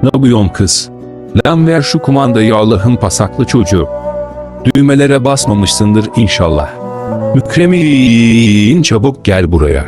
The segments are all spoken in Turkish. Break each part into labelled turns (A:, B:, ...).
A: Ne yapıyorsun kız? Lan ver şu kumandayı Allah'ın pasaklı çocuğu. Düğmelere basmamışsındır inşallah. Mükremin çabuk gel buraya.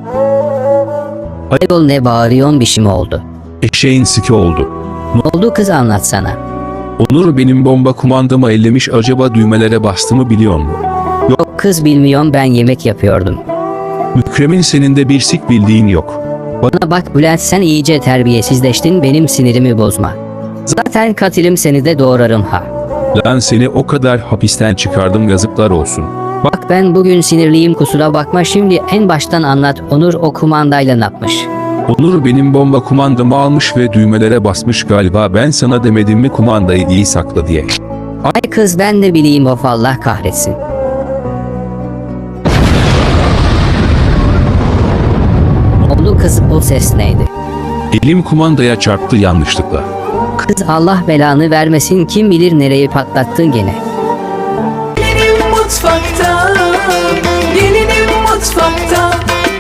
B: Ayol ne bağırıyorsun, bir şey mi oldu?
A: Eşeğin siki oldu.
B: Ne oldu kız, anlatsana.
A: Onur benim bomba kumandamı ellemiş, acaba düğmelere bastı mı biliyor musun?
B: Yok kız, bilmiyorum, ben yemek yapıyordum.
A: Mükremin senin de bir sik bildiğin yok.
B: Bana bak Bülent, sen iyice terbiyesizleştin, benim sinirimi bozma. Zaten katilim, seni de doğrarım ha.
A: Lan seni o kadar hapisten çıkardım, yazıklar olsun.
B: Bak ben bugün sinirliyim, kusura bakma, şimdi en baştan anlat. Onur o kumandayla ne yapmış?
A: Onur benim bomba kumandamı almış ve düğmelere basmış galiba, ben sana demedim mi kumandayı iyi sakla diye.
B: Ay kız, ben de bileyim, of Allah kahretsin. Ne oldu kız, o ses neydi?
A: Elim kumandaya çarptı yanlışlıkla.
B: Kız Allah belanı vermesin, kim bilir nereyi patlattın gene.
C: Gelinim mutfakta, gelinim mutfakta.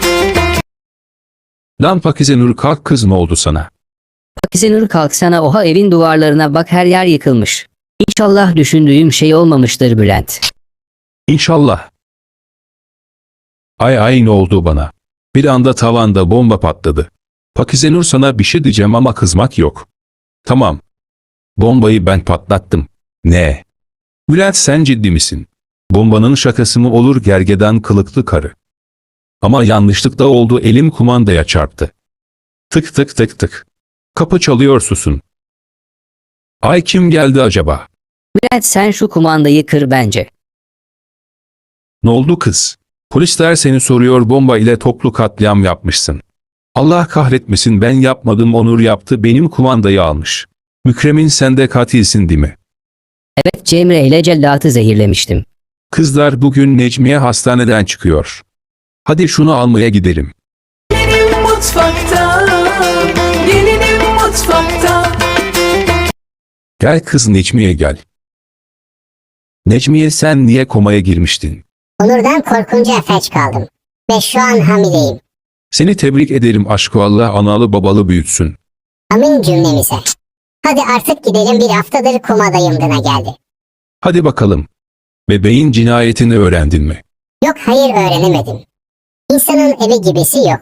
A: Lan Pakize Nur kalk kız, ne oldu sana?
B: Pakize Nur kalksana, oha evin duvarlarına bak, her yer yıkılmış. İnşallah düşündüğüm şey olmamıştır Bülent.
A: İnşallah. Ay ne oldu bana? Bir anda tavanda bomba patladı. Pakize Nur sana bir şey diyeceğim ama kızmak yok. Tamam. Bombayı ben patlattım. Ne? Bülent sen ciddi misin? Bombanın şakası mı olur gergedan kılıklı karı? Ama yanlışlıkla oldu, elim kumandaya çarptı. Tık tık tık tık. Kapı çalıyor, susun. Ay kim geldi acaba?
B: Bülent sen şu kumandayı kır bence.
A: Ne oldu kız? Polisler seni soruyor, bomba ile toplu katliam yapmışsın. Allah kahretmesin, ben yapmadım, Onur yaptı, benim kumandayı almış. Mükremin sen de katilsin değil mi?
B: Evet, Cemre ile cellatı zehirlemiştim.
A: Kızlar bugün Necmiye hastaneden çıkıyor. Hadi şunu almaya gidelim.
C: Gelinim mutfakta, gelinim mutfakta.
A: Gel kız Necmiye gel. Necmiye sen niye komaya girmiştin?
D: Onur'dan korkunca felç kaldım. Ve şu an hamileyim.
A: Seni tebrik ederim aşkı, Allah analı babalı büyütsün.
D: Amin cümlemize. Hadi artık gidelim, bir haftadır komadayım gına geldi.
A: Hadi bakalım. Bebeğin cinayetini öğrendin mi?
D: Yok hayır, öğrenemedim. İnsanın evi gibisi yok.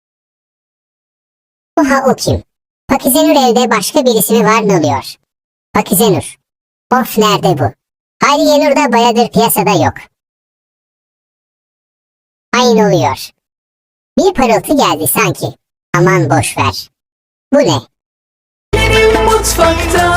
D: Oha, o kim? Pakize Nur evde başka birisi mi var, ne oluyor? Pakize Nur. Of, nerede bu? Hayriye Nur da bayadır piyasada yok. Aynı oluyor. Bir parıltı geldi sanki. Aman boş ver. Bu ne?
C: Gelinim mutfakta,